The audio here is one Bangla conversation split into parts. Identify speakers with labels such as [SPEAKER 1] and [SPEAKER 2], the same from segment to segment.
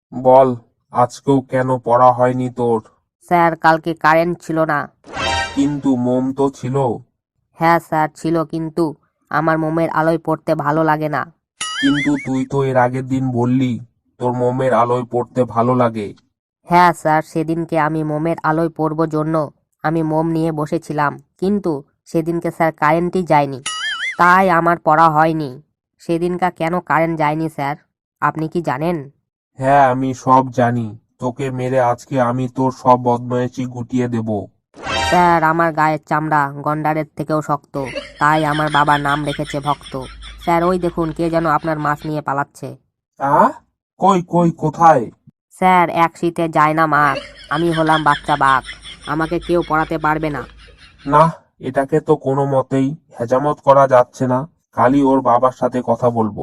[SPEAKER 1] বল, আজকেও কেন পড়া হয়নি তোর?
[SPEAKER 2] স্যার, কালকে কারেন্ট ছিল না।
[SPEAKER 1] কিন্তু মোম তো ছিল।
[SPEAKER 2] হ্যাঁ স্যার, ছিল, কিন্তু আমার মোমের আলোয় পড়তে ভালো লাগে না।
[SPEAKER 1] কিন্তু তুই তো এর আগের দিন বললি তোর মোমের আলোয় পড়তে ভালো লাগে।
[SPEAKER 2] হ্যাঁ স্যার, সেদিনকে আমি মোমের আলোয় পড়ব জন্য আমি মোম নিয়ে বসেছিলাম, কিন্তু সেদিনকে স্যার কারেন্টই যায়নি, তাই আমার পড়া হয়নি। সেদিনকা কেন কারেন্ট যায়নি স্যার, আপনি কি জানেন?
[SPEAKER 1] হ্যাঁ, আমি সব জানি। তোকে মেরে আজকে আমি তোর সব বদমায়েশি গুটিয়ে দেব।
[SPEAKER 2] স্যার, আমার গায়ের চামড়া গন্ডারের থেকেও শক্ত, তাই আমার বাবা নাম রেখেছে ভক্ত। স্যার, ওই দেখুন কে যেন আপনার মাছ নিয়ে পালাচ্ছে।
[SPEAKER 1] কই কই কোথায়?
[SPEAKER 2] স্যার, এক শীতে যায় না মাছ, আমি হলাম বাচ্চা বাঘ, আমাকে কেউ পড়াতে পারবে না।
[SPEAKER 1] না, এটাকে তো কোনো মতেই হেজামত করা যাচ্ছে না। কালই ওর বাবার সাথে কথা বলবো।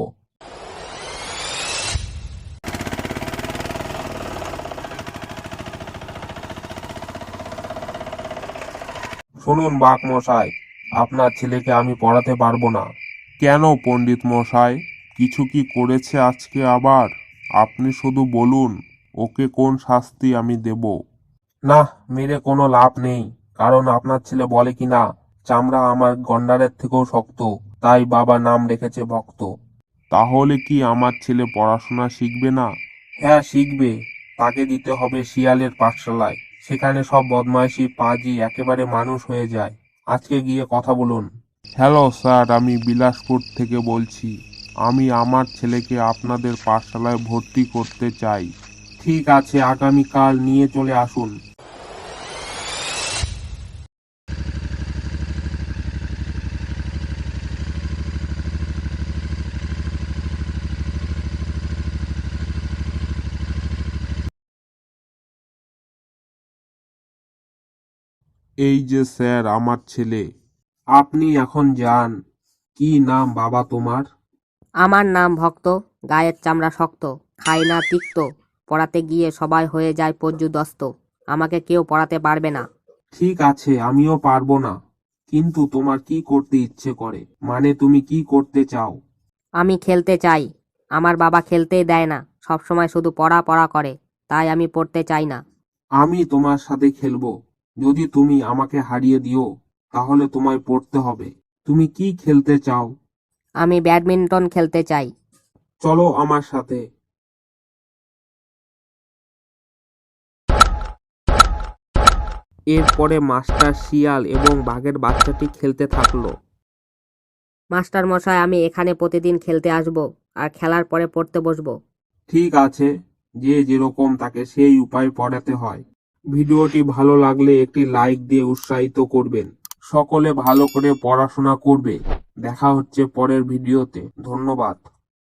[SPEAKER 1] শুনুন বাঘ মশাই, আপনার ছেলেকে আমি পড়াতে পারবো না। কেন পণ্ডিত মশাই, কিছু কি করেছে আজকে আবার? আপনি শুধু বলুন, ওকে কোন শাস্তি আমি দেব। না, মেরে কোনো লাভ নেই, কারণ আপনার ছেলে বলে কি না, চামড়া আমার গন্ডারের থেকেও শক্ত, তাই বাবা নাম রেখেছে ভক্ত। তাহলে কি আমার ছেলে পড়াশোনা শিখবে না? হ্যাঁ শিখবে। তাকে দিতে হবে শিয়ালের পাঠশালায়। সেখানে সব বদমাইশি পাজি একেবারে মানুষ হয়ে যায়। আজকে গিয়ে কথা বলুন। হ্যালো স্যার, আমি বিলাসপুর থেকে বলছি। আমি আমার ছেলেকে আপনাদের পাঠশালায় ভর্তি করতে চাই। ঠিক আছে, আগামীকাল নিয়ে চলে আসুন। এই যে স্যার আমার ছেলে। আপনি এখন যান। কি নাম বাবা তোমার?
[SPEAKER 2] আমার নাম ভক্ত, গায়ের চামড়া শক্ত, খাই না তিক্ত, পড়াতে গিয়ে সবাই হয়ে যায় পর্যুদস্ত, আমাকে কেউ পড়াতে পারবে না।
[SPEAKER 1] ঠিক আছে, আমিও পারবো না। কিন্তু তোমার কি করতে ইচ্ছে করে, মানে তুমি কি করতে চাও?
[SPEAKER 2] আমি খেলতে চাই, আমার বাবা খেলতেই দেয় না, সবসময় শুধু পড়া পড়া করে, তাই আমি পড়তে চাই না।
[SPEAKER 1] আমি তোমার সাথে খেলবো। যদি তুমি আমাকে হারিয়ে দিও, তাহলে তোমায় পড়তে হবে। তুমি কি খেলতে চাও?
[SPEAKER 2] আমি ব্যাডমিন্টন খেলতে চাই।
[SPEAKER 1] চলো আমার সাথে। এরপরে মাস্টার শিয়াল এবং বাঘের বাচ্চাটি খেলতে থাকলো।
[SPEAKER 2] মাস্টার মশাই, আমি এখানে প্রতিদিন খেলতে আসব, আর খেলার পরে পড়তে বসবো।
[SPEAKER 1] ঠিক আছে, যে যেরকম তাকে সেই উপায় পড়াতে হয়। ভিডিওটি ভালো লাগলে একটি লাইক দিয়ে উৎসাহিত করবেন। সকলে ভালো করে পড়াশোনা করবে। দেখা হচ্ছে পরের ভিডিওতে। ধন্যবাদ।